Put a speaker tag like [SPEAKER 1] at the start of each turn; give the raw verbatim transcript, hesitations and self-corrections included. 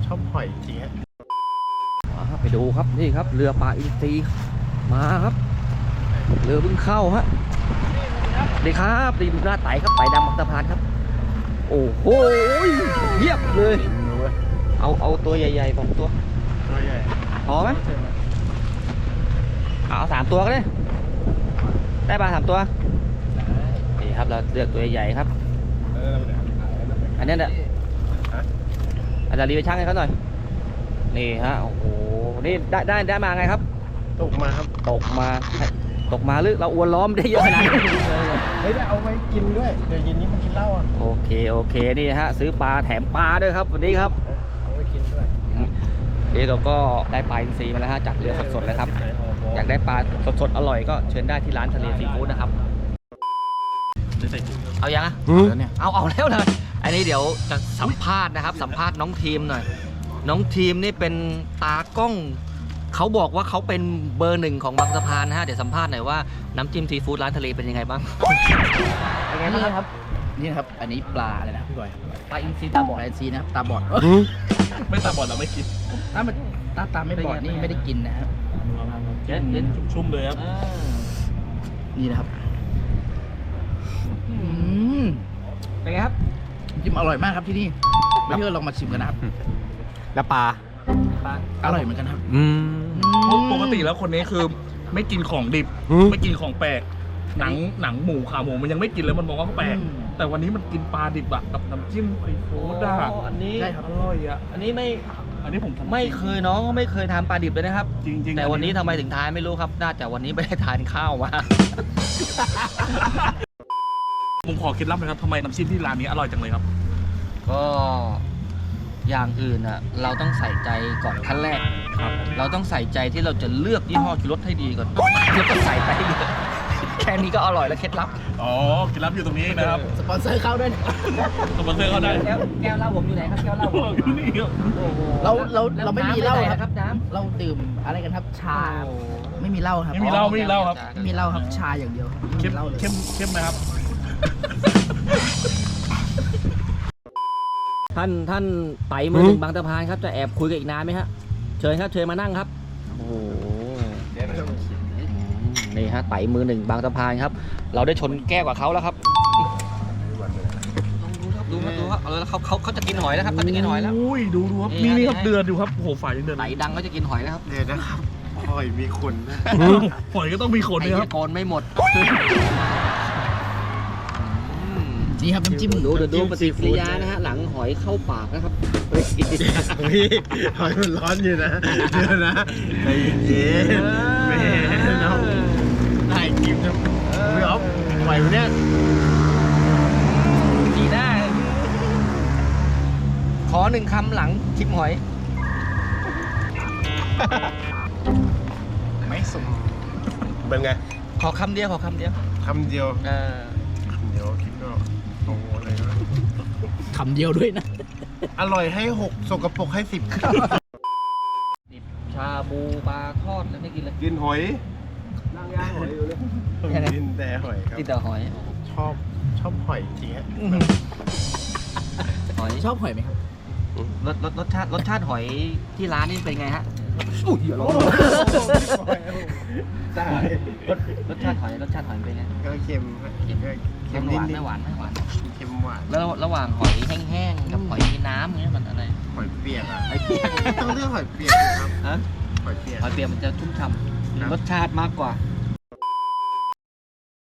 [SPEAKER 1] ชอบหอยจริงฮะ
[SPEAKER 2] ไปดูครับนี่ครับเรือปลาอินทรีมาครับเรือเพิ่งเข้าฮะดีครับดีดูหน้าไต่ครับไต่ดำมักตะพานครับโอ้โหเยียบเลยเอาเอาตัวใหญ่ๆสองตัว
[SPEAKER 1] ตัวใหญ่
[SPEAKER 2] พอไหมเอาสามตัวก็ได้ได้ปลาสามตัวนี่ครับเราเลือกตัวใหญ่ครับอันนี้เนี่ยอาจารย์รีไปช่างให้เขาหน่อยนี่ฮะโอ้โหนี่ได้ได้ได้มาไงครับ
[SPEAKER 1] ตกมาครับ
[SPEAKER 2] ตกมาตกมาหรือเราอวนล้อมได้เยอะขนาดนี้
[SPEAKER 1] เฮ้ยได้เอาไว้กินด้วยเดี๋ยวเย็นนี้มากินเหล้าอ่ะ
[SPEAKER 2] โอเคโอเคนี่ฮะซื้อปลาแถมปลาด้วยครับวันนี้ครับ
[SPEAKER 1] เอาไว้กินด้วย
[SPEAKER 2] นี่เราก็ได้ปลาอินทรีมาแล้วฮะจากเรือสดๆเลยครับอยากได้ปลาสดๆอร่อยก็เชิญได้ที่ร้านทะเลซีฟู้ดนะครับเอายังอ่ะเอาเอาแล้วเลยอันนี้เดี๋ยวจะสัมภาษณ์นะครับสัมภาษณ์น้องทีมหน่อยน้องทีมนี่เป็นตากล้องเขาบอกว่าเขาเป็นเบอร์หนึ่งของบางสะพานนะฮะเดี๋ยวสัมภาษณ์หน่อยว่าน้ำจิ้มซีฟู้ดร้านทะเลเป็นยังไงบ้างเป็นไงบ้างครับ
[SPEAKER 3] นี่ครับอันนี้ปลาอะไรนะพี่บอย
[SPEAKER 2] ปลาอินทรีตาบอด
[SPEAKER 3] ปลาอินทรีนะครับตาบอด
[SPEAKER 1] ไม่ตาบอดเราไม่กิน
[SPEAKER 3] ถ้ามันตาตาไม่บอดนี่ไม่ได้กินนะครับ
[SPEAKER 1] เย็นเย็นชุ่มๆเลยครับ
[SPEAKER 3] นี่นะครับ
[SPEAKER 2] เป็นไงครับ
[SPEAKER 3] จิ้มอร่อยมากครับที่นี่ไม่เชื่อลองมาชิมกันนะครับ
[SPEAKER 1] แล้วปลา
[SPEAKER 3] ปลาอร่อยเหมือนกันครับ
[SPEAKER 4] ปกติแล้วคนนี้คือไม่กินของดิบไม่กินของแปลกหนังหนังหมูขาหมูมันยังไม่กินเลยมันมองว่าแปลกแต่วันนี้มันกินปลาดิบอะกับน้ำจิ้มซีฟู้ดอะ
[SPEAKER 2] อันนี้
[SPEAKER 4] อร่อยอะ
[SPEAKER 2] อันนี้ไม่
[SPEAKER 4] อันนี้ผม
[SPEAKER 2] ไม่เคยน้องก็ไม่เคยทานปลาดิบเลยนะครับ
[SPEAKER 4] จริงๆ
[SPEAKER 2] แต่วันนี้ทำไมถึงทานไม่รู้ครับน่าจะวันนี้ไม่ได้ทานข้าวมา
[SPEAKER 4] ผมขอเคล็ดลับหน่อยครับทำไมน้ำจิ้มที่ร้านนี้อร่อยจังเลยครับ
[SPEAKER 2] ก็อย่างอื่นอ่ะเราต้องใส่ใจก่อนขั้นแรกครับเราต้องใส่ใจที่เราจะเลือกยี่ห้อชูรสให้ดีก่อนแล้วก็ใส่ไปเยอะแค่นี้ก็อร่อยแล้วเคล็ดลับ
[SPEAKER 4] อ๋อเคล็ดลับอยู่ตรงนี้นะครับ
[SPEAKER 3] สปอนเซอร์เข้าด้วย
[SPEAKER 4] สปอนเซอร์เข้าได้
[SPEAKER 2] แก้วแก้วเหล้าผมอยู่ไหนครับแก้วเหล้าผม
[SPEAKER 4] อยู่นี่ครับ
[SPEAKER 3] เราเราเราไม่มีเหล้าครับน้ำเราดื่มอะไรกันครับชาไม่มีเหล้าครับ
[SPEAKER 4] ไม่มีเหล้าไม่มีเหล้าครับ
[SPEAKER 3] ไม่มีเหล้าครับชาอย่างเดียว
[SPEAKER 4] เข้มเข้มเข้มไหมครับ
[SPEAKER 2] ท่านท่านไต่มือหนึ่งบางสะพานครับจะแอบคุยกันอีกนานไหมฮะเชิญครับเชิญมานั่งครับโอ้โหนี่ฮะไต่มือหนึ่งบางสะพานครับเราได้ชนแก้วกับเขาแล้วครับดูครับดูครับเออเขาเขาเขาจะกินหอยแล้วครับเขาจะกินหอยแล้ว
[SPEAKER 4] อุ้ยดูดูครับนี่นี่ครับเดือดดูครับโอ้โหฝ่ายยังเดือด
[SPEAKER 2] ไต่ดังเขาจะกินหอยแล้วครับ
[SPEAKER 1] เดือดนะครับหอยมีขนนะ
[SPEAKER 4] หอยก็ต้องมีขนด้วยครับ
[SPEAKER 2] โกนไม่หมด
[SPEAKER 3] นี่ครับน้ำจิ้ม
[SPEAKER 2] ดูดูดูปฏิกิริยานะฮะหลังหอยเข้าปากนะครับ
[SPEAKER 1] เฮ้ยหอยมันร้อนอยู่นะเดี๋ยวนะใจเย็นแม่น้องได้กินนะไม่เอาไหวไหมเนี่ย
[SPEAKER 2] ดีหน้าขอหนึ่งคำหลังชิมหอย
[SPEAKER 1] ไม่สมเป็นไง
[SPEAKER 2] ขอคำเดียวขอคำเดียว
[SPEAKER 1] คำเดียว
[SPEAKER 2] เออ
[SPEAKER 1] คำเดียวคิดก็โอ้โหอะไรนะ
[SPEAKER 3] คำเดียวด้วยนะ
[SPEAKER 1] อร่อยให้หกสกปรกให้สิบ
[SPEAKER 2] ดิบชาบูปลาทอดแล้วไม่กินเลย
[SPEAKER 1] กินหอยนั่งย่างหอยอยู่เลยกินแต่หอยครับ
[SPEAKER 2] กินแต่หอย
[SPEAKER 1] ชอบชอบหอยจริงฮะ
[SPEAKER 2] หอย
[SPEAKER 3] ชอบหอยไหมครับ
[SPEAKER 2] รสรสรสชาติรสชาติหอยที่ร้านนี่เป็นไงฮะอุ้ยร้อน
[SPEAKER 1] ได้
[SPEAKER 2] รสชาติหอยรสชาติหอยเป็นไง
[SPEAKER 1] ก็เค็มเค็ม
[SPEAKER 2] เค็มหวานไม่หวานไม่หวาน
[SPEAKER 1] เค็มหวาน
[SPEAKER 2] แล้วระหว่างหอยแห้งๆกับหอยมีน้ำเงี้ยมันอะไร
[SPEAKER 1] หอยเปียกอ่ะ
[SPEAKER 2] หอยเปียก
[SPEAKER 1] ต้องเลือกหอยเปียกครับ
[SPEAKER 2] ฮะ
[SPEAKER 1] หอยเปียก
[SPEAKER 2] หอยเปียกมันจะชุ่มฉ่ำรสชาติมากกว่า